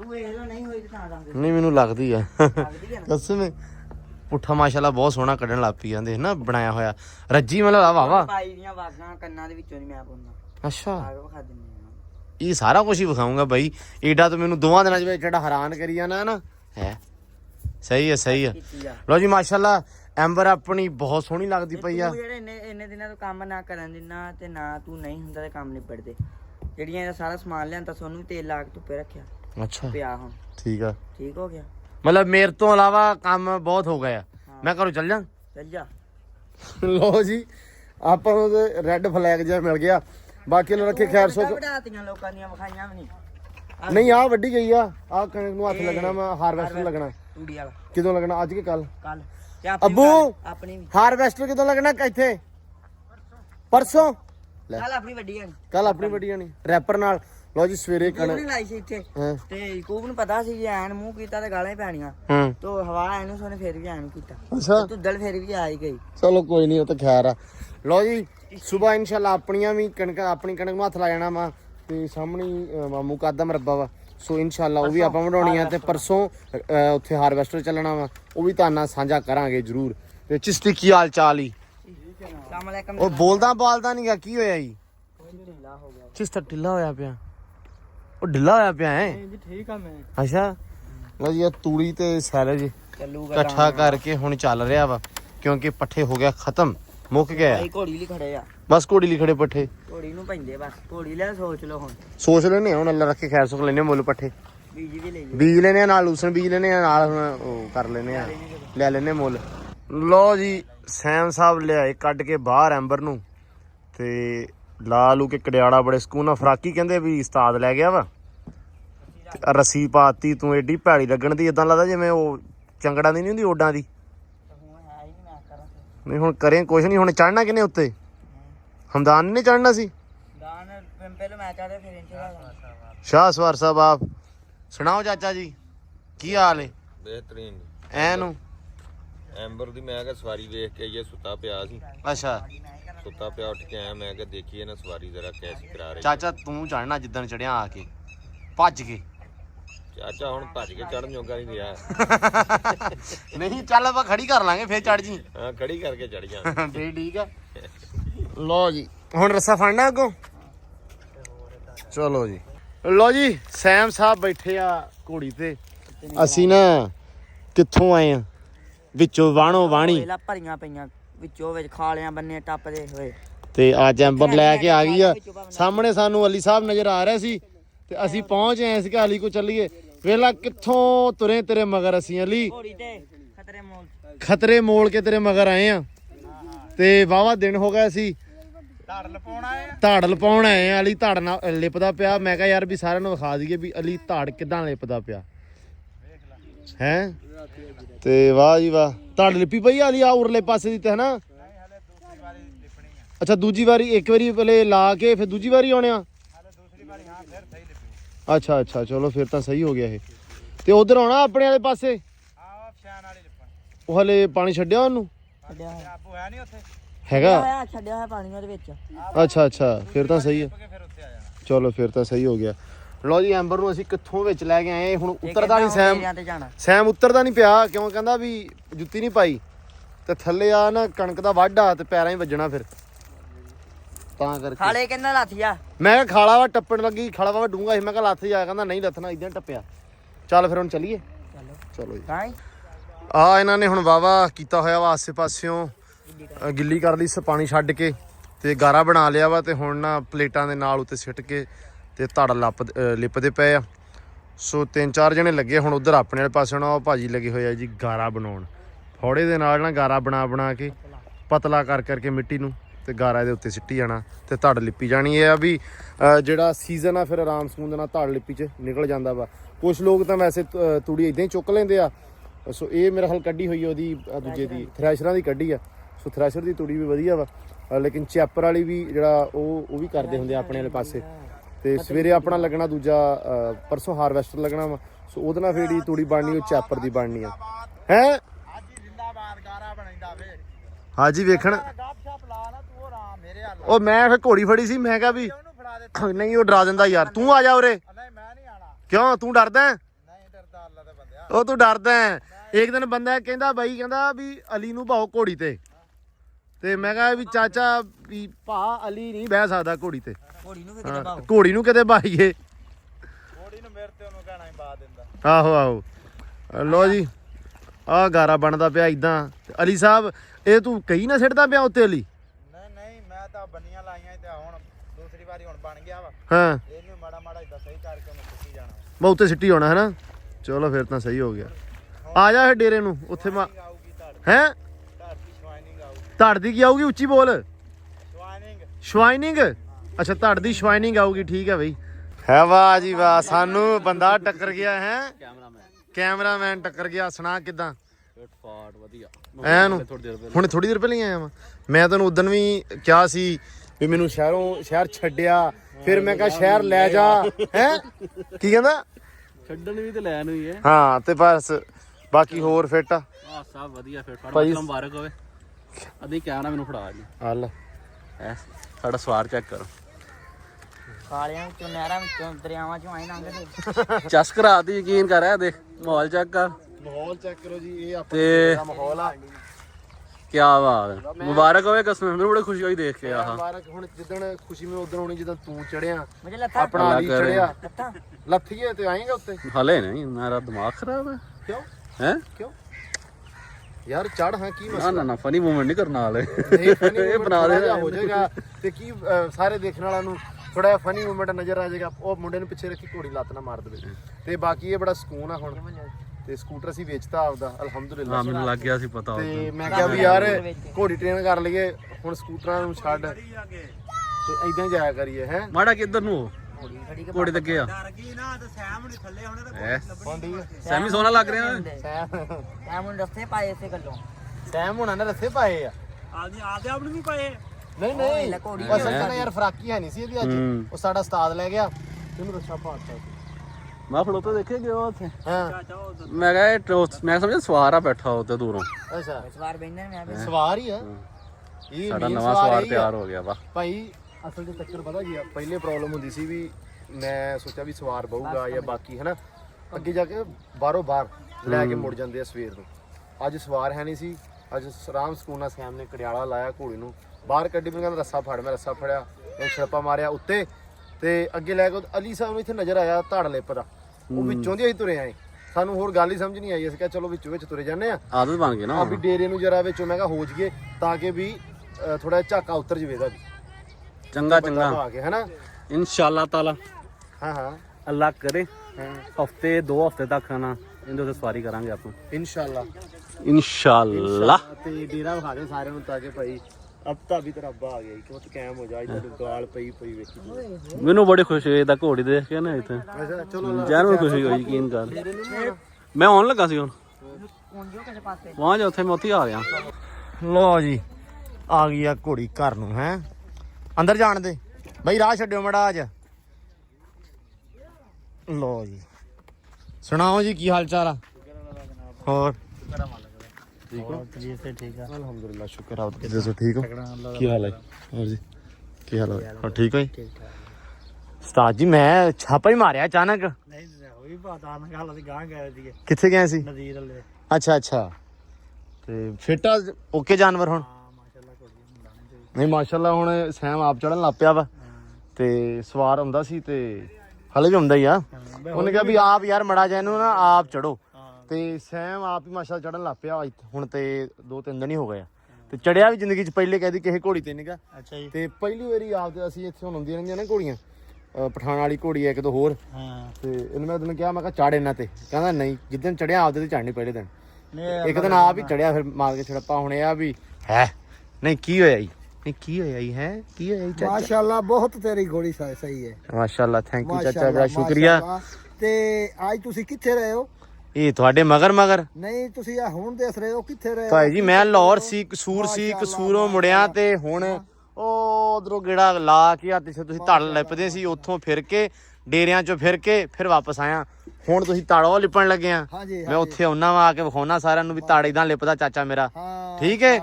ਨਹੀਂ ਮੈਨੂੰ ਲੱਗਦੀ ਆ ਕਸਮ ਪੁੱਠਾ ਮਾਸ਼ਾਅੱਲਾ ਬਹੁਤ ਸੋਹਣਾ ਕੱਢਣ ਲੱਗ ਪਈ ਜਾਂਦੇ ਨਾ ਬਣਾਇਆ ਹੋਇਆ ਰੱਜੀ ਮਤਲਬ ਵਾਵਾ ਪਾਈ ਦੀਆਂ ਵਾਗਾਂ ਕੰਨਾਂ ਦੇ ਵਿੱਚੋਂ ਨਹੀਂ ਮੈਂ ਪਾਉਂਦਾ। ਅੱਛਾ ਆਗੇ ਵਿਖਾ ਦਿੰਦੇ ਇਹ ਸਾਰਾ ਕੁਝ ਹੀ ਵਿਖਾਉਂਗਾ ਬਾਈ। ਏਡਾ ਤਾਂ ਮੈਨੂੰ ਦੋਵਾਂ ਦਿਨਾਂ 'ਚ ਵਿੱਚ ਜਿਹੜਾ ਹੈਰਾਨ ਕਰੀ ਜਾਣਾ ਨਾ ਹੈ। ਸਹੀ ਆ ਲੋ ਜੀ ਮਾਸ਼ਾਅੱਲਾ ਐਂਬਰ ਆਪਣੀ ਬਹੁਤ ਸੋਹਣੀ ਲੱਗਦੀ ਪਈ ਆ। ਜਿਹੜੇ ਇੰਨੇ ਦਿਨਾਂ ਤੋਂ ਕੰਮ ਨਾ ਕਰਨ ਦਿੰਨਾ ਤੇ ਨਾ ਤੂੰ ਨਹੀਂ ਹੁੰਦਾ ਤੇ ਕੰਮ ਨਿਬੜਦੇ। ਜਿਹੜੀਆਂ ਇਹਦਾ ਸਾਰਾ ਸਮਾਨ ਲਿਆਂਦਾ ਸੋਨੂੰ ਵੀ ਤੇਲ ਲਾ ਕੇ ਧੁੱਪੇ ਰੱਖਿਆ। ਅੱਛਾ ਪਿਆ ਹੁਣ ਠੀਕ ਹੋ ਗਿਆ। ਮਤਲਬ ਮੇਰੇ ਤੋਂ ਇਲਾਵਾ ਕੰਮ ਬਹੁਤ ਹੋ ਗਿਆ। ਮੈਂ ਘਰੋਂ ਚੱਲ ਜਾ। ਲੋ ਜੀ ਆਪਾਂ ਨੂੰ ਰੈੱਡ ਫਲੈਗ ਜਿਹਾ ਮਿਲ ਗਿਆ। ਬਾਕੀ ਨੂੰ ਰੱਖੇ ਖੈਰ ਸੁੱਖ। ਵਧਾਤੀਆਂ ਲੋਕਾਂ ਦੀਆਂ ਵਿਖਾਈਆਂ ਵੀ ਨਹੀਂ ਆ ਵੱਡੀ ਗਈ ਆ ਆਹ ਕਣਕ ਨੂੰ ਹੱਥ ਲੱਗਣਾ। ਮੈਂ ਹਾਰਵੈਸਟਰ ਲੱਗਣਾ ਤੂੜੀ ਵਾਲਾ ਕਿਦੋਂ ਲੱਗਣਾ ਅੱਜ ਕਿ ਕੱਲ ਅੱਬੂ ਆਪਣੀ ਹਾਰਵੈਸਟਰ ਕਿਦੋਂ ਲੱਗਣਾ ਇੱਥੇ ਪਰਸੋਂ ਕੱਲ ਆਪਣੀ ਵੱਡੀ ਆਣੀ ਰੈਪਰ ਨਾਲ ਲਓ ਜੀ ਸਵੇਰੇ ਕਣਕ ਕਣਕ ਨਹੀਂ ਲਾਈ ਸੀ ਇੱਥੇ ਹਾਂ ਤੇ ਕੂਬ ਨੂੰ ਪਤਾ ਸੀ ਜੇ ਐਨ ਮੂੰਹ ਕੀਤਾ ਤੇ ਗਾਲਾਂ ਹੀ ਪੈਣੀਆਂ ਹੂੰ ਤੋ ਹਵਾ ਐਨੂੰ ਸੋਨੇ ਫੇਰ ਵੀ ਐਨ ਕੀਤਾ ਅੱਛਾ ਧੁੱਦਲ ਫੇਰ ਵੀ ਆ ਹੀ ਗਈ ਚਲੋ ਕੋਈ ਨਹੀਂ ਉਹ ਤਾਂ ਖੈਰ ਆ ਲਓ ਜੀ ਸਵੇਰ ਇਨਸ਼ਾਅੱਲਾ ਆਪਣੀਆਂ ਵੀ ਕਣਕ ਆਪਣੀ ਕਣਕ ਨੂੰ ਹੱਥ ਲਾ ਜਾਣਾ ਵਾ ਤੇ ਸਾਹਮਣੇ ਮਾਮੂ ਕਾਦਾ ਮਰੱਬਾ ਵਾ ਸੋ ਇਨਸ਼ਾਅੱਲਾ ਉਹ ਵੀ ਆਪਾਂ ਵਡਾਉਣੀ ਆ ਤੇ ਪਰਸੋਂ ਉੱਥੇ ਹਾਰਵੈਸਟਰ ਚੱਲਣਾ ਵਾ ਉਹ ਵੀ ਤੁਹਾਨੂੰ ਨਾਲ ਸਾਂਝਾ ਕਰਾਂਗੇ ਜਰੂਰ ਤੇ ਚਿਸ਼ਤੀ ਕੀ ਹਾਲ ਚਾਲ ਹੀ ਸਲਾਮ ਅਲੈਕਮ ਉਹ ਬਾਲਦਾ ਨਹੀਂਗਾ ਕੀ ਹੋਇਆ ਜੀ ਢਿੱਲਾ ਹੋ ਗਿਆ ਚਿਸ਼ਤਾ ਢਿੱਲਾ ਹੋਇਆ ਪਿਆ ਉਹ ਢਿੱਲਾ ਹੋਇਆ ਪਿਆ ਹੈ ਜੀ ਠੀਕ ਆ ਮੈਂ ਅੱਛਾ ਲਓ ਜੀ ਇਹ ਤੂੜੀ ਤੇ ਸੈਲਜ ਚੱਲੂਗਾ ਇਕੱਠਾ ਕਰਕੇ ਹੁਣ ਚੱਲ ਰਿਹਾ ਵਾ ਕਿਉਂਕਿ ਪੱਠੇ ਹੋ ਗਿਆ ਖਤਮ ਮੁੱਕ ਗਿਆ ਭਾਈ ਘੋੜੀ ਲਈ ਖੜੇ ਆ ਬਸ ਘੋੜੀ ਲਈ ਖੜੇ ਪੱਠੇ ਘੋੜੀ ਨੂੰ ਪੈਂਦੇ ਬਸ ਘੋੜੀ ਲੈ ਸੋਚ ਲਓ ਹੁਣ ਸੋਚ ਲੈਨੇ ਹੁਣ ਅੱਲਾ ਰੱਖੇ ਖੈਰ ਸੁਖ ਲੈਨੇ ਮੁੱਲ ਪੱਠੇ ਬੀਜ ਵੀ ਲਈ ਬੀਜ ਲੈਨੇ ਆ ਨਾਲ ਲੂਸਣ ਬੀਜ ਲੈਨੇ ਆ ਨਾਲ ਹੁਣ ਉਹ ਕਰ ਲੈਨੇ ਆ ਲੈ ਲੈਨੇ ਮੁੱਲ ਲਓ ਜੀ ਸੈਮ ਸਾਹਿਬ ਲਿਆਏ ਕੱਢ ਕੇ ਬਾਹਰ ਐਂਬਰ ਨੂੰ ਤੇ ਲਾ ਲੂ ਕੇ ਕੜਿਆੜਾ ਬੜੇ ਸਕੂਨ ਨਾਲ ਫਰਾਕੀ ਕਹਿੰਦੇ ਵੀ ਉਸਤਾਦ ਲੈ ਗਿਆ ਵਾ ਤੇ ਰੱਸੀ ਪਾਤੀ ਤੂੰ ਏਡੀ ਭੈੜੀ ਲੱਗਣ ਦੀ ਇਦਾਂ ਲੱਗਦਾ ਜਿਵੇਂ ਉਹ ਚੰਗੜਾ ਦੀ ਨਹੀਂ ਹੁੰਦੀ ਓਡਾਂ ਦੀ ਨਹੀਂ ਹੁਣ ਕਰੇ ਕੁਛ ਨਹੀਂ ਹੁਣ ਚੜਨਾ ਕਿਨੇ ਉੱਤੇ ਹਮਦਾਨ ਨੇ ਚੜਨਾ ਸੀ ਦਾਨ ਪਹਿਲਾਂ ਮੈਂ ਚਾਹਦੇ ਫਿਰ ਇੰਚਾ ਸ਼ਾਹ ਸਵਾਰ ਸਾਹਿਬ ਆਪ ਸੁਣਾਓ ਚਾਚਾ ਜੀ ਕੀ ਹਾਲ ਹੈ ਬਿਹਤਰੀਨ ਐਨੂੰ ਐਂਬਰ ਦੀ ਮੈਂ ਕਿਹਾ ਸਵਾਰੀ ਵੇਖ ਕੇ ਇਹ ਸੁੱਤਾ ਪਿਆ ਸੀ ਅੱਛਾ ਸੁੱਤਾ ਪਿਆ ਉੱਠ ਕੇ ਆਇਆ ਮੈਂ ਕਿਹਾ ਦੇਖੀਏ ਨਾ ਸਵਾਰੀ ਜ਼ਰਾ ਕੈਸੀ ਕਰਾ ਰਹੀ ਚਾਚਾ ਤੂੰ ਚੜਨਾ ਜਿੱਦਣ ਚੜਿਆ ਆ ਕੇ ਭੱਜ ਕੇ ਚਾਚਾ ਹੁਣ ਭੱਜ ਕੇ ਚੜਨ ਜੋਗਾ ਨਹੀਂ ਰਿਹਾ ਨਹੀਂ ਚੱਲ ਆਪਾਂ ਖੜੀ ਕਰ ਲਾਂਗੇ ਫੇਰ ਚੜ ਜੀ ਹਾਂ ਖੜੀ ਕਰਕੇ ਚੜ ਜਾ ਫੇਰ ਠੀਕ ਆ ਲਓ ਜੀ ਹੁਣ ਰੱਸਾ ਫੜਨਾ ਅੱਗੋਂ ਚਲੋ ਜੀ ਲਓ ਜੀ ਸੈਮ ਸਾਹਿਬ ਬੈਠੇ ਆ ਘੋੜੀ ਤੇ ਅਸੀਂ ਨਾ ਕਿੱਥੋਂ ਆਏ ਆ ਵਿੱਚੋਂ ਵਾਣੋ ਵਾਣੀ ਵੇਲਾ ਭਰੀਆਂ ਪਈਆਂ ਵਿੱਚੋਂ ਵਿੱਚ ਖਾਲਿਆਂ ਬੰਨੇ ਟੱਪਦੇ ਹੋਏ ਤੇ ਅੱਜ ਐਂਬਰ ਲੈ ਕੇ ਆ ਗਈ ਆ ਸਾਹਮਣੇ ਸਾਨੂੰ ਅਲੀ ਸਾਹਿਬ ਨਜ਼ਰ ਆ ਰਿਹਾ ਸੀ ਤੇ ਅਸੀਂ ਪਹੁੰਚ ਆਏ ਸੀ ਕਿ ਅਲੀ ਕੋ ਚੱਲੀਏ ਵੇਲਾ ਕਿੱਥੋਂ ਤੁਰੇ ਤੇਰੇ ਮਗਰ ਅਸੀਂ ਅਲੀ ਘੋੜੀ ਤੇ ਖਤਰੇ ਮੋਲ ਕੇ ਤੇਰੇ ਮਗਰ ਆਏ ਆ ਤੇ ਵਾਵਾ ਦਿਨ ਹੋ ਗਿਆ ਸੀ ਧਾੜ ਲਪਾਉਣ ਆਏ ਆ ਅਲੀ ਧਾੜ ਨਾਲ ਲਿਪਦਾ ਪਿਆ ਮੈਂ ਕਿਹਾ ਯਾਰ ਵੀ ਸਾਰਿਆਂ ਨੂੰ ਵਿਖਾ ਦਈਏ ਵੀ ਅਲੀ ਧਾੜ ਕਿਦਾਂ ਲਿਪਦਾ ਪਿਆ ਹੈ ਤੇ ਵਾਹ ਜੀ ਵਾਹ ਧਾੜ ਲਿਪੀ ਪਈ ਆ ਅਲੀ ਆ ਉਰਲੇ ਪਾਸੇ ਦੀ ਤੇ ਹਨਾ ਅੱਛਾ ਦੂਜੀ ਵਾਰੀ ਇੱਕ ਵਾਰੀ ਪਹਿਲੇ ਲਾ ਕੇ ਫਿਰ ਦੂਜੀ ਵਾਰੀ ਆਉਣੇ ਆ ਅੱਛਾ ਅੱਛਾ ਚਲੋ ਫਿਰ ਤਾਂ ਸਹੀ ਹੋ ਗਿਆ ਇਹ ਤੇ ਉਧਰ ਆਉਣਾ ਆਪਣੇ ਵਾਲੇ ਪਾਸੇ ਉਹ ਹਲੇ ਪਾਣੀ ਛੱਡਿਆ ਉਹਨੂੰ ਹੈਗਾ ਛੱਡਿਆ ਹੋਇਆ ਪਾਣੀ ਉਹਦੇ ਵਿੱਚ ਅੱਛਾ ਅੱਛਾ ਫਿਰ ਤਾਂ ਸਹੀ ਹੈ ਚਲੋ ਫਿਰ ਤਾਂ ਸਹੀ ਹੋ ਗਿਆ ਲਓ ਜੀ ਐਂਬਰ ਨੂੰ ਅਸੀਂ ਕਿੱਥੋਂ ਵਿੱਚ ਲੈ ਕੇ ਆਏ ਹੁਣ ਉਤਰਦਾ ਨਹੀਂ ਸੈਮ ਉਤਰਦਾ ਨਹੀਂ ਪਿਆ ਕਿਉਂ ਕਹਿੰਦਾ ਵੀ ਜੁੱਤੀ ਨਹੀਂ ਪਾਈ ਤੇ ਥੱਲੇ ਆ ਨਾ ਕਣਕ ਦਾ ਵਾਢਾ ਤੇ ਪੈਰਾਂ ਹੀ ਵੱਜਣਾ ਫਿਰ ਤਾਂ ਕਰਕੇ ਖਾਲੇ ਕਹਿੰਦਾ ਲੱਥਿਆ ਮੈਂ ਕਿਹਾ ਖਾਲਾ ਵਾ ਟੱਪਣ ਲੱਗੀ ਖਾਲਾ ਵਾ ਡੂੰਗਾ ਸੀ ਮੈਂ ਕਿਹਾ ਲੱਥ ਜਾ ਕਹਿੰਦਾ ਨਹੀਂ ਲੱਥਣਾ ਇਦਾਂ ਟੱਪਿਆ ਚੱਲ ਫਿਰ ਹੁਣ ਚੱਲੀਏ ਚਲੋ ਜੀ ਆ ਇਹਨਾਂ ਨੇ ਹੁਣ ਵਾਵਾ ਕੀਤਾ ਹੋਇਆ ਵਾ ਆਸੇ ਪਾਸਿਓਂ ਗਿੱਲੀ ਕਰ ਲਈ ਪਾਣੀ ਛੱਡ ਕੇ ਤੇ ਗਾਰਾ ਬਣਾ ਲਿਆ ਵਾ ਤੇ ਹੁਣ ਨਾ ਪਲੇਟਾਂ ਦੇ ਨਾਲ ਉੱਤੇ ਸਿੱਟ ਕੇ ਤੇ ਧੜ ਲਿਪਦੇ ਪਏ ਆ ਸੋ 3-4 ਜਣੇ ਲੱਗੇ ਹੁਣ ਉਧਰ ਆਪਣੇ ਵਾਲੇ ਪਾਸੇ ਨਾ ਉਹ ਭਾਜੀ ਲੱਗੇ ਹੋਏ ਆ ਜੀ ਗਾਰਾ ਬਣਾਉਣ ਫੌੜੇ ਦੇ ਨਾਲ ਨਾ ਗਾਰਾ ਬਣਾ ਕੇ ਪਤਲਾ ਕਰ ਕਰਕੇ ਮਿੱਟੀ ਨੂੰ ਤੇ ਗਾਰਾ ਦੇ ਉੱਤੇ ਸਿੱਟੀ ਜਾਣਾ ਤੇ ਧੜ ਲਿਪੀ ਜਾਣੀ ਇਹ ਆ ਵੀ ਜਿਹੜਾ ਸੀਜ਼ਨ ਆ ਫਿਰ ਆਰਾਮ ਸਕੂਨ ਦੇ ਨਾਲ ਧੜ ਲਿਪੀ 'ਚ ਨਿਕਲ ਜਾਂਦਾ ਵਾ ਕੁਝ ਲੋਕ ਤਾਂ ਵੈਸੇ ਤੂੜੀ ਇਦਾਂ ਹੀ ਚੁੱਕ ਲੈਂਦੇ ਆ ਸੋ ਇਹ ਮੇਰਾ ਹਾਲ ਕੱਢੀ ਹੋਈ ਉਹਦੀ ਦੂਜੇ ਦੀ ਥ੍ਰੈਸ਼ਰਾਂ ਦੀ ਕੱਢੀ ਆ ਸੋ ਥ੍ਰੈਸ਼ਰ ਦੀ ਤੂੜੀ ਵੀ ਵਧੀਆ ਵਾ ਲੇਕਿਨ ਚੈਪਰ ਵਾਲੀ ਵੀ ਜਿਹੜਾ ਉਹ ਵੀ ਕਰਦੇ ਹੁੰਦੇ ਆ ਆਪਣੇ ਵਾਲੇ ਪਾਸੇ ਤੇ ਸਵੇਰੇ ਆਪਣਾ ਲੱਗਣਾ ਦੂਜਾ ਪਰਸੋਂ ਹਾਰਵੈਸਟਰ ਲੱਗਣਾ ਵਾ ਸੋ ਉਹਦੇ ਨਾਲ ਫਿਰ ਤੂੜੀ ਬਣਨੀ ਉਹ ਚੈਪਰ ਦੀ ਬਣਨੀ ਆ ਹੈ ਹਾਜੀ ਵੇਖਣ ਉਹ ਮੈਂ ਫਿਰ ਘੋੜੀ ਫੜੀ ਸੀ ਮੈਂ ਕਿਹਾ ਵੀ ਨਹੀਂ ਉਹ ਡਰਾ ਦਿੰਦਾ ਯਾਰ ਤੂੰ ਆ ਜਾ ਉਰੇ ਕਿਉਂ ਤੂੰ ਡਰਦਾ ਉਹ ਤੂੰ ਡਰਦਾ ਇੱਕ ਦਿਨ ਬੰਦਾ ਕਹਿੰਦਾ ਬਾਈ ਕਹਿੰਦਾ ਵੀ ਅਲੀ ਨੂੰ ਭਾਓ ਘੋੜੀ ਤੇ ਮੈਂ ਕਿਹਾ ਵੀ ਚਾਚਾ ਵੀ ਭਾ ਅਲੀ ਨਹੀਂ ਬਹਿ ਸਕਦਾ ਘੋੜੀ ਤੇ ਘੋੜੀ ਨੂੰ ਕਿਤੇ ਬਾਈਏ ਆਹੋ ਲੋ ਜੀ ਆਹ ਗਾਰਾ ਬਣਦਾ ਪਿਆ ਇਦਾਂ ਅਲੀ ਸਾਹਿਬ ਇਹ ਤੂੰ ਕਹੀ ਨਾ ਸਿੱਟਦਾ ਪਿਆ ਉੱਤੇ ਅਲੀ ਨਹੀਂ ਮੈਂ ਤਾਂ ਬੰਨੀਆਂ ਲਾਈਆਂ ਤੇ ਹੁਣ ਦੂਸਰੀ ਵਾਰੀ ਹੁਣ ਬਣ ਗਿਆ ਵਾ ਹਾਂ ਇਹਨੂੰ ਮਾੜਾ ਇਦਾਂ ਸਹੀ ਕਰਕੇ ਉਹਨੂੰ ਸਿੱਟੀ ਜਾਣਾ ਮੈਂ ਉੱਤੇ ਸਿੱਟੀ ਹੋਣਾ ਹੈ ਨਾ ਚਲੋ ਫਿਰ ਤਾਂ ਸਹੀ ਹੋ ਗਿਆ ਆ ਜਾ ਫਿਰ ਡੇਰੇ ਨੂੰ ਉੱਥੇ ਹੈ ਧੜ ਦੀ ਕੀ ਆਊਗੀ ਉੱਚੀ ਬੋਲ ਸ਼ਵਾਈਨਿੰਗ ਅੱਛਾ ਧੜ ਦੀ ਸ਼ਵਾਈਨਿੰਗ ਆਊਗੀ ਠੀਕ ਹੈ ਬਈ ਹੈ ਵਾਹ ਜੀ ਵਾਹ ਸਾਨੂੰ ਬੰਦਾ ਟੱਕਰ ਗਿਆ ਹੈ ਕੈਮਰਾਮੈਨ ਟੱਕਰ ਗਿਆ ਸੁਣਾ ਕਿਦਾਂ ਵਧੀਆ ਐਨੂੰ ਹੁਣ ਥੋੜੀ ਦੇਰ ਪਹਿਲਾਂ ਹੀ ਆਇਆ ਵਾਂ ਮੈਂ ਤੈਨੂੰ ਉਦੋਂ ਵੀ ਕਿਹਾ ਸੀ ਵੀ ਮੈਨੂੰ ਸ਼ਹਿਰ ਛੱਡਿਆ, ਫਿਰ ਮੈਂ ਕਿਹਾ ਸ਼ਹਿਰ ਲੈ ਜਾ ਹੈ। ਕੀ ਕਹਿੰਦਾ? ਛੱਡਣ ਵੀ ਤੇ ਲੈਣ ਵੀ ਹੈ। ਹਾਂ ਤੇ ਬਸ ਬਾਕੀ ਹੋਰ ਫਿੱਟ ਆ ਸਭ ਵਧੀਆ ਫਿਰ ਭਾਈ। ਮੁਬਾਰਕ ਹੋਵੇ। ਅਦੀ ਕਹਿਣਾ ਮੈਨੂੰ ਫੜਾ ਜੀ ਹਲ ਸਾਡਾ ਸਵਾਰ ਚੈੱਕ ਕਰੋ। ਕਾਲਿਆਂ ਵਿੱਚੋਂ ਨਹਿਰਾਂ ਵਿੱਚੋਂ ਦਰਿਆਵਾਂ ਚੋਂ ਆਏ ਲੰਘਦੇ। ਚਸ ਕਰਾ ਦੀ ਯਕੀਨ ਕਰ ਰਿਹਾ ਦੇਖ ਮਾਹੌਲ ਚੈੱਕ ਕਰ। ਮਾਹੌਲ ਚੈੱਕ ਕਰੋ ਜੀ, ਇਹ ਤੇ ਆਪਣਾ ਮਾਹੌਲ ਆ। ਕੀ ਬਾਤ ਹੈ, ਮੁਬਾਰਕ ਹੋਵੇ ਕਸਮ। ਮੈਨੂੰ ਬੜੀ ਖੁਸ਼ੀ ਹੋਈ ਦੇਖ ਕੇ ਆਹ। ਮੁਬਾਰਕ। ਹੁਣ ਜਿੱਦਣ ਖੁਸ਼ੀ ਮੈਨੂੰ ਉਦੋਂ ਹੋਣੀ ਜਦੋਂ ਤੂੰ ਚੜਿਆ, ਮੁਝੇ ਲੱਥਾ ਆਪਣਾ ਅਲੀ ਅੱਲਾ ਕਰੇ। ਚੜਿਆ। ਲੱਥਾ ਲੱਥੀਏ ਤੇ ਆਏਗਾ ਉੱਤੇ। ਹਲੇ ਨਹੀਂ, ਮੇਰਾ ਦਿਮਾਗ ਖਰਾਬ ਹੈ। ਕਿਉਂ ਹੈ ਕਿਉਂ ਯਾਰ? ਚੜ ਹਾਂ, ਕੀ ਨਾ ਮਸਲਾ? ਨਾ ਨਾ ਫਨੀ ਮੂਵਮੈਂਟ ਨਹੀਂ ਕਰਨ ਵਾਲੇ। ਇਹ ਬਣਾ ਦੇ ਹੋ ਜਾਏਗਾ ਤੇ ਕੀ ਸਾਰੇ ਦੇਖਣ ਵਾਲਿਆਂ ਨੂੰ ਥੋੜਾ ਜਿਹਾ ਫਨੀ ਮੂਵਮੈਂਟ ਨਜ਼ਰ ਆ ਜਾਏਗਾ। ਉਹ ਮੁੰਡੇ ਨੂੰ ਪਿੱਛੇ ਰੱਖੀ, ਘੋੜੀ ਲੱਤ ਨਾ ਮਾਰ ਦੇਵੇ। ਤੇ ਬਾਕੀ ਇਹ ਬੜਾ ਸਕੂਨ ਆ ਹੁਣ। ਤੇ ਸਕੂਟਰ ਅਸੀਂ ਵੇਚਤਾ ਆਪਦਾ, ਅਲਹਮਦੁਲਿਲਾ। ਹਾਂ ਮੈਨੂੰ ਲੱਗ ਗਿਆ ਸੀ ਪਤਾ। ਤੇ ਮੈਂ ਕਿਹਾ ਵੀ ਯਾਰ ਘੋੜੀ ਟ੍ਰੇਨ ਕਰ ਲਈਏ, ਹੁਣ ਸਕੂਟਰਾਂ ਨੂੰ ਛੱਡ ਤੇ ਇਦਾਂ ਜਾਇਆ ਕਰੀਏ ਹੈ। ਮਾੜਾ ਕਿੱਧਰ ਨੂੰ ਹੋ? ਘੋੜੇ ਲੱਗੇ ਆ ਸੈਮੀ ਸੋਨਾ ਲੱਗ ਰਿਹਾ। ਐ ਮੁੰਡੇ ਰਸਤੇ ਪਾਏ ਇਸੇ ਗੱਲੋਂ। ਸੈਮ ਹੋਣਾ ਨੇ ਰੱਸੇ ਪਾਏ ਆ। ਆਪਦੇ ਆਪ ਨੂੰ ਵੀ ਪਾਏ। ਨਹੀਂ ਨਹੀਂ, ਬਸ ਕਹਿੰਦਾ ਯਾਰ ਫਰਾਕੀ ਹੈ ਨਹੀਂ ਸੀ ਇਹਦੀ ਅੱਜ। ਉਹ ਸਾਡਾ ਉਸਤਾਦ ਲੈ ਗਿਆ, ਇਹਨੂੰ ਰੱਸਾ ਪਾਤਾ। ਮੈਂ ਫਲੋਤੇ ਦੇਖੇ ਗਿਆ ਉੱਥੇ। ਹਾਂ ਮੈਂ ਕਿਹਾ ਇਹ ਮੈਂ ਸਮਝਿਆ ਸਵਾਰ ਆ ਬੈਠਾ ਉੱਤੇ ਦੂਰੋਂ। ਅੱਛਾ, ਇਸ ਵਾਰ ਬੈਠੇ ਮੈਂ ਵੀ ਸਵਾਰ ਹੀ ਆ ਇਹ। ਸਾਡਾ main ਨਵਾਂ ਸਵਾਰ ਇਹੀ ਆ। ਤਿਆਰ ਹੋ ਗਿਆ ਵਾ ਭਾਈ ਅਸਲ 'ਚ ਚੱਕਰ ਪਤਾ ਕੀ ਆ, ਪਹਿਲੇ ਪ੍ਰੋਬਲਮ ਹੁੰਦੀ ਸੀ ਵੀ ਮੈਂ ਸੋਚਿਆ ਵੀ ਸਵਾਰ ਬਹੂਗਾ ਜਾਂ ਬਾਕੀ ਹਨਾ, ਅੱਗੇ ਜਾ ਕੇ ਬਾਹਰੋਂ ਬਾਹਰ ਲੈ ਕੇ ਮੁੜ ਜਾਂਦੇ ਆ ਸਵੇਰ ਨੂੰ। ਅੱਜ ਸਵਾਰ ਹੈ ਨਹੀਂ ਸੀ। ਅੱਜ ਆਰਾਮ ਸਕੂਨਾ ਸੈਮ ਨੇ ਕੜਿਆਲਾ ਲਾਇਆ ਘੋੜੀ ਨੂੰ, ਬਾਹਰ ਕੱਢੀ। ਮੈਨੂੰ ਕਹਿੰਦਾ ਰੱਸਾ ਫੜ, ਮੈਂ ਰੱਸਾ ਫੜਿਆ, ਇੱਕ ਛੱਪਾ ਮਾਰਿਆ ਉੱਤੇ ਤੇ ਅੱਗੇ ਲੈ ਕੇ ਅਲੀ ਸਾਹਿਬ ਨੂੰ ਇੱਥੇ ਨਜ਼ਰ ਆਇਆ ਧੜ ਲਿਪ ਦਾ। ਉਹ ਵਿੱਚੋਂ ਦੀ ਅਸੀਂ ਤੁਰੇ ਆਏ, ਸਾਨੂੰ ਹੋਰ ਗੱਲ ਹੀ ਸਮਝ ਨਹੀਂ ਆਈ। ਅਸੀਂ ਕਿਹਾ ਚਲੋ ਵਿੱਚੋਂ ਵਿੱਚ ਤੁਰੇ ਜਾਂਦੇ ਆ, ਆਦਤ ਬਣ ਗਈ ਨਾ ਆ ਵੀ ਡੇਰੇ ਨੂੰ ਜਰਾ ਵਿੱਚੋਂ ਮੈਂ ਕਿਹਾ ਹੋ ਜੀਏ ਤਾਂ ਕਿ ਵੀ ਥੋੜਾ ਜਿਹਾ ਝਾਕਾ ਉਤਰ ਜਵੇ ਦਾ ਵੀ ਚੰਗਾ ਚੰਗਾ ਆ ਕੇ ਹਨਾ। ਇਨਸ਼ਾਅੱਲਾ ਤਾਲਾ ਹਾਂ ਹਾਂ ਅੱਲਾ ਕਰੇ ਹਫਤੇ 2 ਹਫਤੇ ਤੱਕ ਨਾ ਇਹਦੇ ਉੱਤੇ ਸਵਾਰੀ ਕਰਾਂਗੇ ਆਪਾਂ ਇਨਸ਼ਾਅੱਲਾ। ਇਨਸ਼ਾਅੱਲਾ। ਤੇ ਡੇਰਾ ਵਿਖਾ ਦੇ ਸਾਰਿਆਂ ਨੂੰ ਤਾਂ ਕਿ ਭਾਈ ਅਬ ਤਾਂ ਵੀ ਤੇਰਾ ਅੱਬਾ ਆ ਗਿਆ ਕਿ ਉਹ ਕਾਇਮ ਹੋ ਜਾ। ਇੱਧਰ ਗਾਲ ਪਈ ਵੇਖੀ। ਮੈਨੂੰ ਬੜੀ ਖੁਸ਼ੀ ਹੋਈ ਇਹਦਾ ਘੋੜੀ ਦੇਖ ਕੇ ਨਾ ਇੱਥੇ। ਅੱਛਾ ਚਲੋ ਜਾਨ ਖੁਸ਼ੀ ਹੋਈ ਯਕੀਨ ਕਰ। ਮੈਂ ਆਉਣ ਲੱਗਾ ਸੀ ਹੁਣ ਹੁਣ ਜੋ ਕਿਸੇ ਪਾਸੇ ਵਾਂ ਜਾ ਉੱਥੇ ਮੈਂ ਉੱਥੇ ਆ ਰਿਹਾ। ਲੋ ਜੀ ਆ ਗਈ ਆ ਘੋੜੀ ਘਰ ਨੂੰ ਹੈ। ਅੰਦਰ ਜਾਣ ਦੇ ਬਈ, ਰਾਹ ਛੱਡਿਓ ਮੜਾ ਅੱਜ। ਲੋ ਜੀ ਸੁਣਾਓ ਜੀ ਕੀ ਹਾਲ ਚਾਲ ਆ? ਹੋਰ ਠੀਕ ਹੋ ਜੀ? ਠੀਕ ਆ ਅਲਹਮਦੁਲਿਲਾ, ਸ਼ੁਕਰ ਆ। ਤੁਸੀਂ ਦੱਸੋ ਠੀਕ ਹੋ? ਕੀ ਹਾਲ ਹੈ? ਹੋਰ ਜੀ ਕੀ ਹਾਲ ਹੈ? ਹੋਰ ਠੀਕ ਹੋ ਜੀ? ਉਸਤਾਦ ਜੀ ਮੈਂ ਛਾਪਾ ਹੀ ਮਾਰਿਆ ਅਚਾਨਕ। ਨਹੀਂ ਹੋਈ ਪਤਾ ਨਾ ਗੱਲ, ਅਸੀਂ ਗਾਂ ਗਏ ਸੀਗੇ ਕਿੱਥੇ ਗਏ ਸੀ? ਨਜ਼ੀਰ ਵਾਲੇ। ਅੱਛਾ ਅੱਛਾ। ਤੇ ਫਿੱਟਾ ਓਕੇ ਜਾਨਵਰ ਹੁਣ? ਮਾਸ਼ਾਅੱਲਾ ਕੋਈ ਨਹੀਂ ਮਾਸ਼ਾਅੱਲਾ ਹੁਣ ਸੈਮ ਆਪ ਚੜਨ ਲੱਗ ਪਿਆ ਵਾ। ਤੇ ਸਵਾਰ ਹੁੰਦਾ ਸੀ ਤੇ ਹਲੇ ਵੀ ਹੁੰਦਾ ਹੀ ਆ। ਉਹਨੇ ਕਿਹਾ ਵੀ ਆਪ ਯਾਰ ਮੜਾ ਜਾ ਇਹਨੂੰ ਨਾ ਆਪ ਚੜੋ। ਤੇ ਸੈਮ ਆਪ ਹੀ ਮਾਸ਼ਾਅੱਲਾ ਚੜਨ ਲੱਗ ਪਿਆ ਹੁਣ ਤੇ 2-3 ਦਿਨ ਹੀ ਹੋ ਗਏ ਆ। ਤੇ ਚੜਿਆ ਵੀ ਜ਼ਿੰਦਗੀ 'ਚ ਪਹਿਲੇ ਕਹਦੀ ਕਿਸੇ ਘੋੜੀ ਤੇ ਨੀਗਾ। ਅੱਛਾ ਜੀ। ਤੇ ਪਹਿਲੀ ਵਾਰੀ ਆਪ ਅਸੀਂ ਇੱਥੇ ਹੁਣ ਹੁੰਦੀਆਂ ਰਹਿੰਦੀਆਂ ਨਾ ਘੋੜੀਆਂ, ਪਠਾਣ ਵਾਲੀ ਘੋੜੀ ਹੈ ਇੱਕ ਦੋ ਹੋਰ। ਹਾਂ ਤੇ ਇਹਨੂੰ ਮੈਂ ਉਹਨੂੰ ਕਿਹਾ ਮੈਂ ਕਿਹਾ ਚੜ ਇਹਨਾਂ ਤੇ, ਕਹਿੰਦਾ ਨਹੀਂ ਜਿੱਦਣ ਚੜਿਆ ਆਪਦੇ ਤੇ ਚੜਨੀ ਪਹਿਲੇ ਦਿਨ। ਨਹੀਂ ਇੱਕ ਦਿਨ ਆਪ ਹੀ ਚੜਿਆ, ਫਿਰ ਮਾਰ ਕੇ ਛੜਪਾ। ਹੁਣ ਇਹ ਆ ਵੀ ਹੈ ਨਹੀਂ ਕੀ ਹੋਇਆ ਜੀ? ਨਹੀਂ ਕੀ ਹੋਇਆ ਜੀ? ਹੈ ਕੀ ਹੋਇਆ ਜੀ ਚਾਚਾ? ਮਾਸ਼ਾਅੱਲਾ ਬਹੁਤ ਤੇਰੀ ਘੋੜੀ ਸਹੀ ਹੈ। ਮਾਸ਼ਾਅੱਲਾ ਥੈਂਕ ਯੂ ਚਾਚਾ, ਬੜਾ ਸ਼ੁਕਰੀਆ। ਤੇ ਅੱਜ ਤੁਸੀਂ ਕਿੱਥੇ ਰਹੇ ਹੋ? ਇਹ ਤੁਹਾਡੇ ਮਗਰ ਨਹੀਂ ਤੁਸੀਂ ਆ ਹੁਣ ਦੇਖ ਰਹੇ ਹੋ ਕਿੱਥੇ ਰਹੇ ਭਾਈ ਜੀ ਮੈਂ ਲਾਹੌਰ ਸੀ, ਕਸੂਰ ਸੀ, ਕਸੂਰੋਂ ਮੁੜਿਆ ਤੇ ਹੁਣ ਉਹ ਉਧਰੋਂ ਗੇੜਾ ਲਾ ਕੇ ਆ ਤੇ ਤੁਸੀਂ ਧੜ ਲਿਪਦੇ ਸੀ, ਉੱਥੋਂ ਫਿਰ ਕੇ ਡੇਰਿਆਂ ਚੋਂ ਫਿਰ ਕੇ ਫਿਰ ਵਾਪਸ ਆਇਆ। ਹੁਣ ਤੁਸੀਂ ਧੜੋਂ ਲਿਪਣ ਲੱਗੇ ਆ। ਮੈਂ ਉੱਥੇ ਆਉਣਾ ਵਾ, ਆ ਕੇ ਵਿਖਾਉਣਾ ਸਾਰਿਆਂ ਨੂੰ ਵੀ ਧੜ ਇਦਾਂ ਲਿਪਦਾ ਚਾਚਾ ਮੇਰਾ। ਠੀਕ ਹੈ?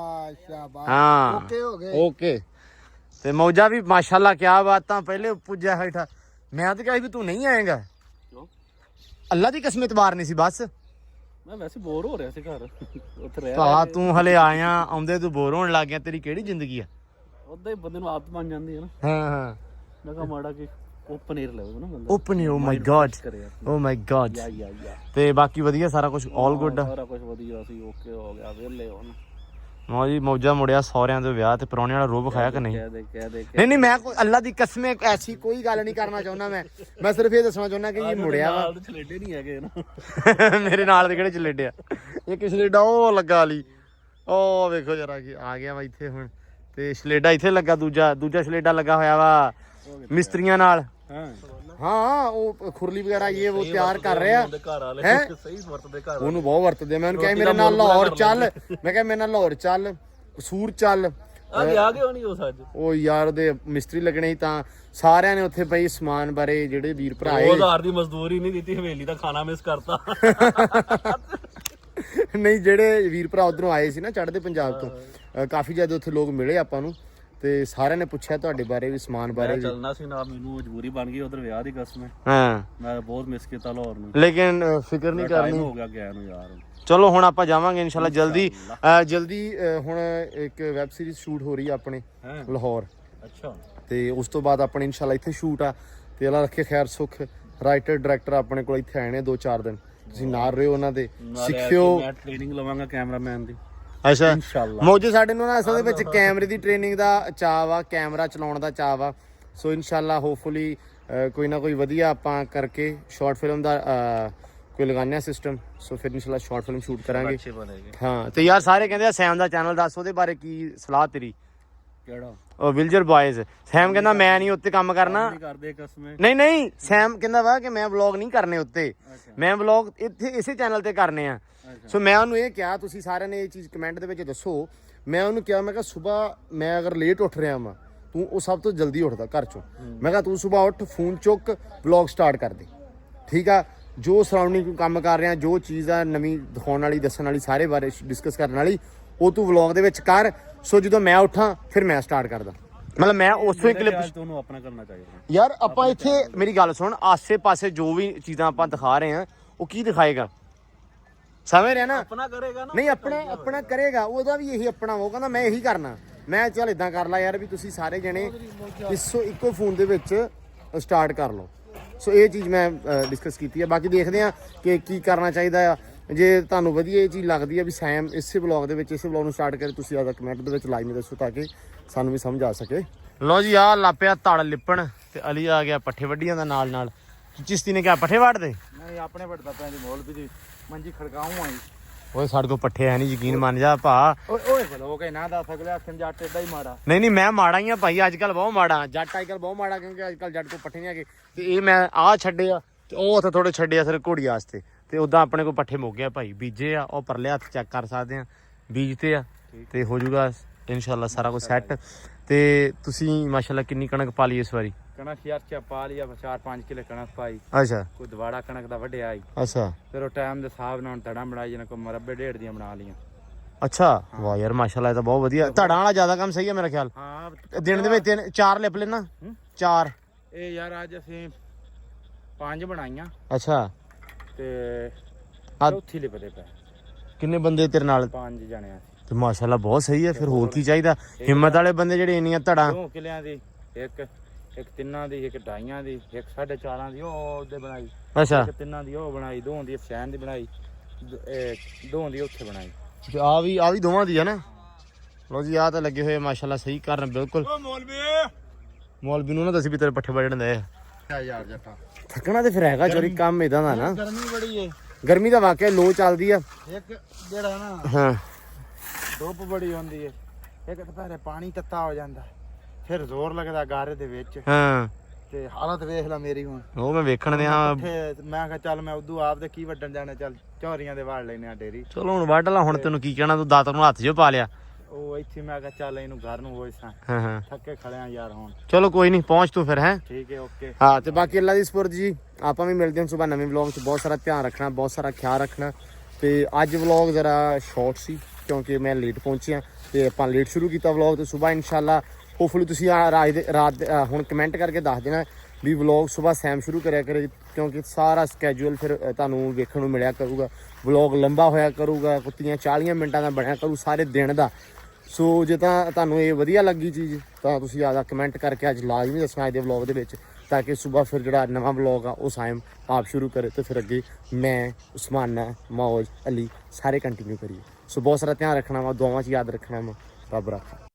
ਹਾਂ ਓਕੇ ਹੋ ਗਏ। ਓਕੇ। ਤੇ ਮੌਜਾ ਵੀ ਮਾਸ਼ਾਅੱਲਾ ਕਿਆ ਬਾਤਾਂ। ਪਹਿਲੇ ਪੁੱਜਿਆ ਹੇਠਾ ਮੈਂ ਤਾਂ ਕਿਹਾ ਵੀ ਤੂੰ ਨਹੀਂ ਆਏਗਾ। ਅੱਲਾ ਦੀ ਕਸਮ ਇਤਬਾਰ ਨਹੀਂ ਸੀ ਬਸ। ਮੈਂ ਵੈਸੇ ਬੋਰ ਹੋ ਰਿਹਾ ਸੀ ਘਰ ਉੱਥੇ ਰਹਿ ਭਾ ਤੂੰ ਹਲੇ ਆਇਆ, ਆਉਂਦੇ ਤੂੰ ਬੋਰ ਹੋਣ ਲੱਗ ਗਿਆ। ਤੇਰੀ ਕਿਹੜੀ ਜ਼ਿੰਦਗੀ ਆ? ਉਦਾਂ ਹੀ ਬੰਦੇ ਨੂੰ ਆਦਤ ਬਣ ਜਾਂਦੀ ਹੈ ਨਾ। ਹਾਂ ਹਾਂ। ਮੈਂ ਕਿਹਾ ਮਾੜਾ ਕਿ ਉਹ ਪਨੀਰ ਲਵੇ ਨਾ ਬੰਦਾ। Open oh my god, oh my god. ਯਾ ਤੇ ਬਾਕੀ ਵਧੀਆ ਸਾਰਾ ਕੁਝ ਆਲ ਗੁੱਡ। ਸਾਰਾ ਕੁਝ ਵਧੀਆ ਸੀ, ਓਕੇ ਹੋ ਗਿਆ, ਵਿਹਲੇ ਹੁਣ। ਮੌ ਜੀ ਮੌਜਾ ਮੁੜਿਆ ਸਹੁਰਿਆਂ ਦੇ ਵਿਆਹ ਤੇ ਪਰੌਣੇ ਵਾਲਾ ਰੋਬ ਖਾਇਆ ਕਿ ਨਹੀਂ? ਕਹਿ ਦੇ ਨਹੀਂ ਮੈਂ ਕੋਈ ਅੱਲਾ ਦੀ ਕਸਮ ਐਸੀ ਕੋਈ ਗੱਲ ਨਹੀਂ ਕਰਨਾ ਚਾਹੁੰਦਾ। ਮੈਂ ਸਿਰਫ ਇਹ ਦੱਸਣਾ ਚਾਹੁੰਦਾ ਕਿ ਇਹ ਮੁੜਿਆ ਵਾ। ਛਲੇਡੇ ਨਹੀਂ ਹੈਗੇ ਨਾ ਮੇਰੇ ਨਾਲ ਦੇ ਕਿਹੜੇ ਚਲੇਡਿਆ? ਇਹ ਕਿ ਸਲੇਡਾ ਉਹ ਲੱਗਾ ਵਾਲੀ, ਉਹ ਵੇਖੋ ਜਰਾ ਕੀ ਆ ਗਿਆ ਵਾ ਇੱਥੇ ਹੁਣ। ਤੇ ਸਲੇਡਾ ਇੱਥੇ ਲੱਗਾ, ਦੂਜਾ ਸਲੇਡਾ ਲੱਗਾ ਹੋਇਆ ਵਾ ਮਿਸਤਰੀਆਂ ਨਾਲ। ਹਾਂ ਉਹ ਖੁਰਲੀ ਵਗੈਰਾ ਇਹ ਉਹ ਤਿਆਰ ਕਰ ਰਿਹਾ ਹੈ। ਸਹੀ ਵਰਤਦੇ ਘਰ ਉਹਨੂੰ ਬਹੁਤ ਵਰਤਦੇ। ਮੈਂ ਉਹਨੂੰ ਕਿਹਾ ਮੇਰੇ ਨਾਲ ਲਾਹੌਰ ਚੱਲ, ਮੈਂ ਕਿਹਾ ਮੇਰੇ ਨਾਲ ਲਾਹੌਰ ਚੱਲ, ਕਸੂਰ ਚੱਲ, ਆ ਗਿਆ ਕਿਉਂ ਨਹੀਂ ਉਸ ਅੱਜ ਉਹ ਯਾਰ ਉਹਦੇ ਮਿਸਤਰੀ ਲੱਗਣੇ ਸੀ ਤਾਂ ਸਾਰਿਆਂ ਨੇ ਉੱਥੇ ਪਈ ਸਮਾਨ ਬਾਰੇ ਜਿਹੜੇ ਵੀਰ ਭਰਾ ਆਏ 2000 ਦੀ ਮਜ਼ਦੂਰੀ ਨਹੀਂ ਦਿੱਤੀ ਹਵੇਲੀ ਦਾ ਖਾਣਾ ਮਿਸ ਕਰਤਾ ਨਹੀਂ ਜਿਹੜੇ ਵੀਰ ਭਰਾ ਉਧਰੋਂ ਆਏ ਸੀ ਨਾ ਚੜ੍ਹਦੇ ਪੰਜਾਬ ਤੋਂ ਕਾਫੀ ਜ਼ਿਆਦਾ ਉੱਥੇ ਲੋਕ ਮਿਲੇ ਆਪਾਂ ਨੂੰ ਤੇ ਸਾਰਿਆਂ ਨੇ ਪੁੱਛਿਆ ਤੁਹਾਡੇ ਬਾਰੇ ਵੀ ਸਮਾਨ ਬਾਰੇ ਵੀ। ਚੱਲਣਾ ਸੀ ਨਾ ਮੈਨੂੰ ਮਜਬੂਰੀ ਬਣ ਗਈ ਉਧਰ ਵਿਆਹ ਦੀ ਕਸਮ ਹੈ ਹਾਂ ਮੈਂ ਬਹੁਤ ਮਿਸ ਕੀਤਾ ਲਾਹੌਰ ਨੂੰ ਲੇਕਿਨ ਫਿਕਰ ਨਹੀਂ ਟਾਈਮ ਕਰਨੀ ਹੋ ਗਿਆ ਗਿਆ ਨੂੰ ਯਾਰ ਚਲੋ ਹੁਣ ਆਪਾਂ ਜਾਵਾਂਗੇ ਇਨਸ਼ਾਅੱਲਾ ਜਲਦੀ ਹੁਣ ਇੱਕ ਵੈਬ ਸੀਰੀਜ਼ ਸ਼ੂਟ ਹੋ ਰਹੀ ਆ ਆਪਣੇ ਹੈਂ? ਲਾਹੌਰ ਅੱਛਾ ਤੇ ਉਸ ਤੋਂ ਬਾਅਦ ਆਪਣੇ ਇਨਸ਼ਾਅੱਲਾ ਇੱਥੇ ਸ਼ੂਟ ਆ ਤੇ ਅੱਲਾ ਰੱਖੇ ਖੈਰ ਸੁਖ ਰਾਈਟਰ ਡਾਇਰੈਕਟਰ ਆਪਣੇ ਕੋਲ ਇੱਥੇ ਆਏ ਨੇ 2-4 ਦਿਨ ਤੁਸੀਂ ਨਾਲ ਰਹੋ ਉਹਨਾਂ ਦੇ ਸਿੱਖਿਓ ਮੈਂ ਟ੍ਰੇਨਿੰਗ ਲਵਾਂਗਾ ਕੈਮਰਾਮੈਨ ਦੀ ਅੱਛਾ ਇਨਸ਼ਾਅੱਲਾ ਮੌਜੇ ਸਾਡੇ ਨੂੰ ਨਾ ਅਸਲ ਦੇ ਵਿੱਚ ਕੈਮਰੇ ਦੀ ਟ੍ਰੇਨਿੰਗ ਦਾ ਚਾਅ ਵਾ ਕੈਮਰਾ ਚਲਾਉਣ ਦਾ ਚਾਅ ਵਾ ਸੋ ਇਨਸ਼ਾਅੱਲਾ ਹੋਪਫੁਲੀ ਕੋਈ ਨਾ ਕੋਈ ਵਧੀਆ ਆਪਾਂ ਕਰਕੇ ਸ਼ਾਰਟ ਫਿਲਮ ਦਾ ਕੋਈ ਲਗਾਉਂਦੇ ਆ ਸਿਸਟਮ ਸੋ ਫਿਰ ਇਨਸ਼ਾਅੱਲਾ ਸ਼ਾਰਟ ਫਿਲਮ ਸ਼ੂਟ ਕਰਾਂਗੇ ਅੱਛੇ ਬਣੇਗੇ ਹਾਂ ਤੇ ਯਾਰ ਸਾਰੇ ਕਹਿੰਦੇ ਆ ਸੈਮ ਦਾ ਚੈਨਲ ਦੱਸ ਉਹਦੇ ਬਾਰੇ ਕੀ ਸਲਾਹ ਤੇਰੀ ਕਿਹੜਾ ਉਹ ਵਿਲਜਰ ਬॉयਜ਼ ਸੈਮ ਕਹਿੰਦਾ ਮੈਂ ਨਹੀਂ ਉੱਤੇ ਕੰਮ ਕਰਨਾ ਨਹੀਂ ਕਰਦੇ ਕਸਮੇ ਨਹੀਂ ਸੈਮ ਕਹਿੰਦਾ ਵਾ ਕਿ ਮੈਂ ਵਲੌਗ ਨਹੀਂ ਕਰਨੇ ਉੱਤੇ ਮੈਂ ਵਲੌਗ ਇੱਥੇ ਇਸੇ ਚੈਨਲ ਤੇ ਕਰਨੇ ਆ ਸੋ ਮੈਂ ਉਹਨੂੰ ਇਹ ਕਿਹਾ ਤੁਸੀਂ ਸਾਰਿਆਂ ਨੇ ਇਹ ਚੀਜ਼ ਕਮੈਂਟ ਦੇ ਵਿੱਚ ਦੱਸੋ ਮੈਂ ਉਹਨੂੰ ਕਿਹਾ ਮੈਂ ਕਿਹਾ ਸਵੇਰ ਮੈਂ ਅਗਰ ਲੇਟ ਉੱਠ ਰਿਹਾ ਵਾਂ ਤੂੰ ਉਹ ਸਭ ਤੋਂ ਜਲਦੀ ਉੱਠਦਾ ਘਰ ਚੋਂ ਮੈਂ ਕਿਹਾ ਤੂੰ ਸਵੇਰ ਉੱਠ ਫੋਨ ਚੁੱਕ ਵਲੌਗ ਸਟਾਰਟ ਕਰ ਦੇ ਠੀਕ ਆ ਜੋ ਸਰਾਊਂਡਿੰਗ ਕੰਮ ਕਰ ਰਿਹਾ ਜੋ ਚੀਜ਼ ਆ ਨਵੀਂ ਦਿਖਾਉਣ ਵਾਲੀ ਦੱਸਣ ਵਾਲੀ ਸਾਰੇ ਬਾਰੇ ਡਿਸਕਸ ਕਰਨ ਵਾਲੀ ਉਹ ਤੂੰ ਵਲੌਗ ਦੇ ਵਿੱਚ ਕਰ ਸੋ ਜਦੋਂ ਮੈਂ ਉੱਠਾਂ ਫਿਰ ਮੈਂ ਸਟਾਰਟ ਕਰਦਾ ਮਤਲਬ ਮੈਂ ਉਸੋਂ ਹੀ ਕਲਿੱਪ ਤੁਹਾਨੂੰ ਆਪਣਾ ਕਰਨਾ ਚਾਹੀਦਾ ਯਾਰ ਆਪਾਂ ਇੱਥੇ ਮੇਰੀ ਗੱਲ ਸੁਣ ਆਸੇ-ਪਾਸੇ ਜੋ ਵੀ ਚੀਜ਼ਾਂ ਆਪਾਂ ਦਿਖਾ ਰਹੇ ਆ ਉਹ ਕੀ ਦਿਖਾਏਗਾ ਸਮਝ ਰਿਹਾ ਨਾ ਆਪਣਾ ਕਰੇਗਾ ਨਾ ਨਹੀਂ ਆਪਣਾ ਕਰੇਗਾ ਉਹਦਾ ਵੀ ਇਹੀ ਆਪਣਾ ਉਹ ਕਹਿੰਦਾ ਮੈਂ ਇਹੀ ਕਰਨਾ ਮੈਂ ਚੱਲ ਇਦਾਂ ਕਰ ਲਾ ਯਾਰ ਵੀ ਤੁਸੀਂ ਸਾਰੇ ਜਣੇ ਇੱਕੋ ਫੋਨ ਦੇ ਵਿੱਚ ਸਟਾਰਟ ਕਰ ਲਓ ਸੋ ਇਹ ਚੀਜ਼ ਮੈਂ ਡਿਸਕਸ ਕੀਤੀ ਹੈ ਬਾਕੀ ਦੇਖਦੇ ਆ ਕਿ ਕੀ ਕਰਨਾ ਚਾਹੀਦਾ ਆ ਜੇ ਤੁਹਾਨੂੰ ਵਧੀਆ ਇਹ ਚੀਜ਼ ਲੱਗਦੀ ਹੈ ਵੀ ਸੈਮ ਇਸੇ ਵਲੌਗ ਦੇ ਵਿੱਚ ਇਸੇ ਵਲੌਗ ਨੂੰ ਸਟਾਰਟ ਕਰੇ ਤੁਸੀਂ ਆਦਾ ਕਮੈਂਟ ਦੇ ਵਿੱਚ ਲਾਈਨ ਦੱਸੋ ਤਾਂ ਕਿ ਸਾਨੂੰ ਵੀ ਸਮਝ ਆ ਸਕੇ ਲਓ ਜੀ ਆ ਲਾਪਿਆ ਧੜ ਲਿਪਣ ਤੇ ਅਲੀ ਆ ਗਿਆ ਪੱਠੇ ਵੱਡੀਆਂ ਦਾ ਨਾਲ ਚਿਸ਼ਤੀ ਨੇ ਕਿਹਾ ਪੱਠੇ ਵੱਢਦੇ ਨਹੀਂ ਆਪਣੇ ਵੱਡਦਾ ਪਿਆ ਜੀ ਮੌਲਵੀ ਦੀ ਮੰਜੀ ਖੜਕਾਉਂ ਆਈ ਓਏ ਸਾਡੇ ਕੋਲ ਪੱਠੇ ਹੈ ਨਹੀਂ ਯਕੀਨ ਮੰਨ ਜਾ ਭਾ ਓਏ ਬਲੋ ਕੇ ਨਾ ਦੱਸ ਅਗਲੇ ਹੱਥਾਂ ਜੱਟ ਏਡਾ ਹੀ ਮਾੜਾ ਨਹੀਂ ਮੈਂ ਮਾੜਾ ਹੀ ਆ ਭਾਈ ਅੱਜ ਕੱਲ ਬਹੁਤ ਮਾੜਾ ਜੱਟ ਅੱਜ ਕੱਲ ਬਹੁਤ ਮਾੜਾ ਕਿਉਂਕਿ ਅੱਜ ਕੱਲ ਜੱਟ ਕੋਲ ਪੱਠੇ ਨਹੀਂ ਹੈਗੇ ਤੇ ਇਹ ਮੈਂ ਆਹ ਛੱਡੇ ਆ ਤੇ ਉਹ ਉੱਥੇ ਥੋੜੇ ਛੱਡੇ ਆ ਸਿਰ ਘੋੜੀ ਵਾਸਤੇ ਤੇ ਉਦਾਂ ਆਪਣੇ ਕੋਲ ਪੱਠੇ ਮੁੱਕ ਗਿਆ ਭਾਈ ਬੀਜੇ ਆ ਉਹ ਪਰਲੇ ਹੱਥ ਚੈੱਕ ਕਰ ਸਕਦੇ ਆ ਬੀਜ ਤੇ ਆ ਤੇ ਹੋ ਜਾਊਗਾ ਇਨਸ਼ਾਅੱਲਾ ਸਾਰਾ ਕੁਝ ਸੈੱਟ ਤੇ ਤੁਸੀਂ ਮਾਸ਼ਾਅੱਲਾ ਕਿੰਨੀ ਕਣਕ ਪਾ ਲਈ ਇਸ ਵਾਰੀ ਕਣਕ ਯਾਰ ਚਾ ਪਾ ਲਿਆ 4-5 ਕਿਲੇ ਕਣਕ ਪਾਈ ਅੱਛਾ ਕੋਈ ਦਵਾੜਾ ਕਣਕ ਦਾ ਵੱਢਿਆ ਆਈ ਅੱਛਾ ਫਿਰ ਉਹ ਟਾਈਮ ਦੇ ਹਿਸਾਬ ਨਾਲ ਧੜਾ ਬਣਾਈ ਜਨ ਕੋ ਮਰਬੇ ਡੇਢ ਦੀਆਂ ਬਣਾ ਲੀਆਂ ਅੱਛਾ ਵਾਹ ਯਾਰ ਮਾਸ਼ਾਅੱਲਾ ਇਹ ਤਾਂ ਬਹੁਤ ਵਧੀਆ ਧੜਾਂ ਵਾਲਾ ਜ਼ਿਆਦਾ ਕੰਮ ਸਹੀ ਹੈ ਮੇਰਾ ਖਿਆਲ ਹਾਂ ਦਿਨ ਦੇ ਵਿੱਚ 4 ਲਿਪ ਲੈਣਾ 4 ਇਹ ਯਾਰ ਅੱਜ ਅਸੀਂ 5 ਬਣਾਈਆਂ ਅੱਛਾ ਤੇ ਚੌਥੀ ਲਿਪਦੇ ਪਏ ਕਿੰਨੇ ਬੰਦੇ ਤੇਰੇ ਨਾਲ 5 ਜਣੇ ਆ ਤੇ ਮਾਸ਼ਾਅੱਲਾ ਬਹੁਤ ਸਹੀ ਹੈ ਫਿਰ ਹੋਰ ਕੀ ਚਾਹੀਦਾ ਹਿੰਮਤ ਵਾਲੇ ਬੰਦੇ ਜਿਹੜੇ ਇੰਨੀਆਂ ਧੜਾਂ 2 ਕਿਲਿਆਂ ਦੀ ਇੱਕ ਤਿੰਨਾਂ ਦੀ ਇੱਕ ਢਾਈਆਂ ਦੀ ਇੱਕ 4.5 ਦੀ ਉਹ ਉਹਦੇ ਬਣਾਈ ਅੱਛਾ ਇੱਕ ਤਿੰਨਾਂ ਦੀ ਉਹ ਬਣਾਈ 2 ਦੀ ਫੈਨ ਦੀ ਬਣਾਈ 2 ਦੀ ਉੱਥੇ ਬਣਾਈ ਆ ਵੀ ਦੋਵਾਂ ਦੀ ਹੈ ਨਾ ਲੋ ਜੀ ਆ ਤਾਂ ਲੱਗੇ ਹੋਏ ਮਾਸ਼ਾਅੱਲਾ ਸਹੀ ਕਰਨ ਬਿਲਕੁਲ ਓ ਮੌਲਵੀ ਨੂੰ ਨਾ ਦੱਸੀ ਵੀ ਤੇਰੇ ਪੱਠੇ ਵੱਢਣ ਦੇ ਆ ਯਾਰ ਜੱਟਾ ਥੱਕਣਾ ਤੇ ਫਿਰ ਹੈਗਾ ਚੋਰੀ ਕੰਮ ਇਦਾਂ ਦਾ ਨਾ ਗਰਮੀ ਬੜੀ ਏ ਗਰਮੀ ਦਾ ਵਾਕਿਆ ਲੋ ਚੱਲਦੀ ਆ ਇੱਕ ਜਿਹੜਾ ਨਾ ਹਾਂ ਧੁੱਪ ਬੜੀ ਹੁੰਦੀ ਏ ਇੱਕ ਦੁਪਹਿਰੇ ਪਾਣੀ ਤੱਤਾ ਹੋ ਜਾਂਦਾ ਫਿਰ ਜ਼ੋਰ ਲੱਗਦਾ ਗਾਰੇ ਦੇ ਵਿੱਚ ਹਾਂ ਤੇ ਹਾਲਤ ਵੇਖ ਲੈ ਮੇਰੀ ਹੁਣ ਉਹ ਮੈਂ ਵੇਖਣ ਦਿਆਂ ਮੈਂ ਕਿਹਾ ਚੱਲ ਮੈਂ ਉਦੋਂ ਆਪ ਦੇ ਕੀ ਵੱਢਣ ਜਾਣਾ ਚੱਲ ਝੋਰੀਆਂ ਦੇ ਵਾੜ ਲੈਨੇ ਆ ਡੇਰੀ ਚਲੋ ਹੁਣ ਵੱਢ ਲਾ ਹੁਣ ਤੈਨੂੰ ਕੀ ਕਹਿਣਾ ਤੂੰ ਦਾਤਰ ਨੂੰ ਹੱਥ 'ਚ ਪਾ ਲਿਆ ਉਹ ਇੱਥੇ ਮੈਂ ਕਿਹਾ ਚੱਲ ਇਹਨੂੰ ਘਰ ਨੂੰ ਹੋਈ ਸਾਂ ਹਾਂ ਥੱਕੇ ਖੜਿਆ ਯਾਰ ਹੁਣ ਚਲੋ ਕੋਈ ਨਹੀਂ ਪਹੁੰਚ ਤੂੰ ਫਿਰ ਹੈ ਠੀਕ ਹੈ ਓਕੇ ਹਾਂ ਤੇ ਬਾਕੀ ਅੱਲਾ ਦੀ ਸਪੁਰਦ ਜੀ ਆਪਾਂ ਵੀ ਮਿਲਦੇ ਹਾਂ ਸਵੇਰ ਨਵੇਂ ਵਲੌਗ 'ਚ ਬਹੁਤ ਸਾਰਾ ਧਿਆਨ ਰੱਖਣਾ ਬਹੁਤ ਸਾਰਾ ਖਿਆਲ ਰੱਖਣਾ ਤੇ ਅੱਜ ਵਲੌਗ ਜ਼ਰਾ ਸ਼ਾਰਟ ਸੀ ਕਿਉਂਕਿ ਮੈਂ ਲੇਟ ਪਹੁੰਚਿਆ ਤੇ ਆਪਾਂ ਲੇਟ ਸ਼ੁਰੂ ਕੀਤਾ ਵਲੌਗ ਤੇ ਸਵੇਰ ਇਨਸ਼ਾਅੱਲਾ ਹੋਪਫੁਲੀ ਤੁਸੀਂ ਰਾਤ ਹੁਣ ਕਮੈਂਟ ਕਰਕੇ ਦੱਸ ਦੇਣਾ ਵੀ ਵਲੌਗ ਸਵੇਰ ਸੈਮ ਸ਼ੁਰੂ ਕਰਿਆ ਕਰੇ ਕਿਉਂਕਿ ਸਾਰਾ ਸਕੇਜੂਲ ਫਿਰ ਤੁਹਾਨੂੰ ਵੇਖਣ ਨੂੰ ਮਿਲਿਆ ਕਰੂਗਾ ਵਲੌਗ ਲੰਬਾ ਹੋਇਆ ਕਰੂਗਾ ਕੁੱਤੀਆਂ 40 ਮਿੰਟਾਂ ਦਾ ਬਣਿਆ ਕਰੂ ਸਾਰੇ ਦਿਨ ਦਾ ਸੋ ਜੇ ਤਾਂ ਤੁਹਾਨੂੰ ਇਹ ਵਧੀਆ ਲੱਗੀ ਚੀਜ਼ ਤਾਂ ਤੁਸੀਂ ਆਦਾ ਕਮੈਂਟ ਕਰਕੇ ਅੱਜ ਲਾਜ਼ਮੀ ਦੱਸਣਾ ਇਹਦੇ ਵਲੌਗ ਦੇ ਵਿੱਚ ਤਾਂ ਕਿ ਸਵੇਰ ਫਿਰ ਜਿਹੜਾ ਨਵਾਂ ਵਲੌਗ ਆ ਉਹ ਸਾਇਮ ਆਪ ਸ਼ੁਰੂ ਕਰੇ ਤੇ ਫਿਰ ਅੱਗੇ ਮੈਂ ਉਸਮਾਨਾ ਮੌਜ ਅਲੀ ਸਾਰੇ ਕੰਟੀਨਿਊ ਕਰੀਏ ਸੋ ਬਹੁਤ ਸਾਰਾ ਧਿਆਨ ਰੱਖਣਾ ਵਾ ਦੁਆਵਾਂ 'ਚ ਯਾਦ ਰੱਖਣਾ ਵਾ ਰੱਬ ਰੱਖਾ